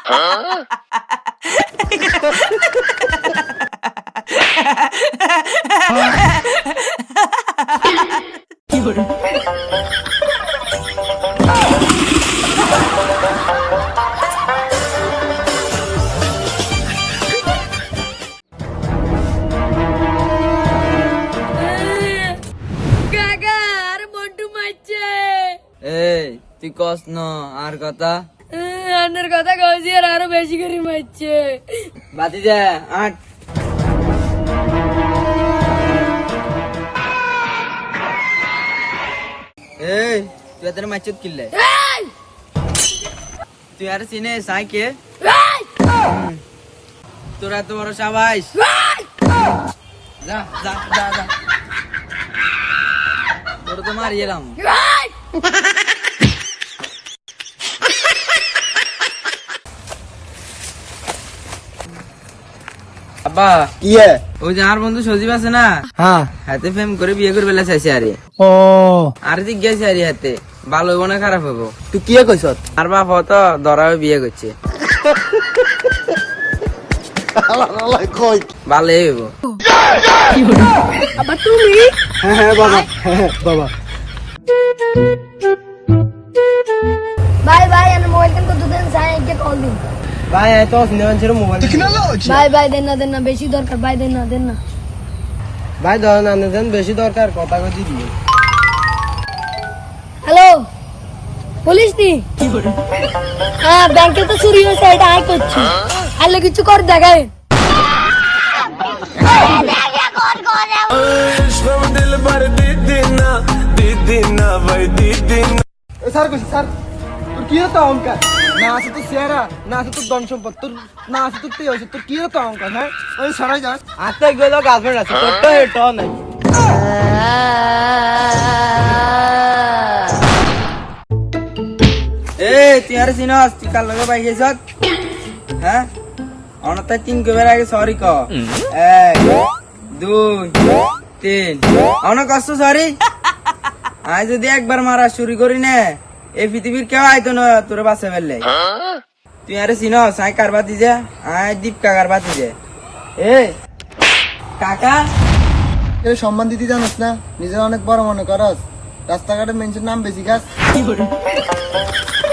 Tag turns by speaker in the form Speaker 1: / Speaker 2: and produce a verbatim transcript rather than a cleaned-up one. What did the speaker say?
Speaker 1: কি করে
Speaker 2: এই তুই কস ন আর কথা
Speaker 3: আন্নার কথা কইছি আর আরো বেশি করে মারছে
Speaker 2: বাতি যা আট এই তুই এত মাইচত কিনলে তুই আর চিনে সাইকে তোরা তো বড় সাবাস যা যা যা যা তোর তো মারি এলাম আব্বা
Speaker 4: ইয়ে
Speaker 2: ওই যে আর বন্ধু সজীব আছে না
Speaker 4: হ্যাঁ
Speaker 2: হাতে ফেম করে বিয়ে করে বেলা চাইছে আরে
Speaker 4: ও
Speaker 2: আর দিক গেছে আরে হাতে ভালো হইব না খারাপ হইব
Speaker 4: তুই কি কইছ
Speaker 2: আর বাপ তো ধরা বিয়ে করছে
Speaker 4: কই
Speaker 2: ভালো হইব
Speaker 3: আবার তুমি
Speaker 4: হ্যাঁ হ্যাঁ বাবা হ্যাঁ বাবা
Speaker 3: ভাই ভাই আমি মোবাইল কেন করতে দেন সাই একটা কল দিন
Speaker 4: ভাই এত সিনেমা ছিল মোবাইল
Speaker 3: ভাই ভাই দেন না দেন না বেশি দরকার ভাই দেন না দেন না
Speaker 4: ভাই ধর না দেন বেশি দরকার কথা কই দিবি
Speaker 3: হ্যালো পুলিশ নি
Speaker 1: কি করে
Speaker 3: হ্যাঁ ব্যাংকে তো চুরি হয়েছে এটা আয় করছি আইলে কিছু কর দেখায়
Speaker 4: স্যার কইছি স্যার তোর কি হতো অহংকার না আছে তোর চেহারা না আছে তোর ধন সম্পদ তোর না আছে তোর তেজ তোর কি হতো অহংকার হ্যাঁ ওই সরাই যাস আতে গেল গার্লফ্রেন্ড আছে তোর তো হেটো নাই
Speaker 2: এই তুই আর চিনস তুই কার লগে পাই গেছ হ্যাঁ অনতায় তিন কবার আগে সরি ক এক দুই তিন অন কষ্ট সরি আজ যদি একবার মারা শুরু করি না এই পৃথিবীর কেউ আইতো না তোর বাসা ফেললে তুই আরে চিনস আয় কার বাতি যা আয় দীপ কাকার বাতি যা এ কাকা
Speaker 4: এর সম্মান দিতে জানোস না নিজের অনেক বড় মনে করস রাস্তাঘাটে মেনশন নাম বেশি গাছ
Speaker 1: কি করে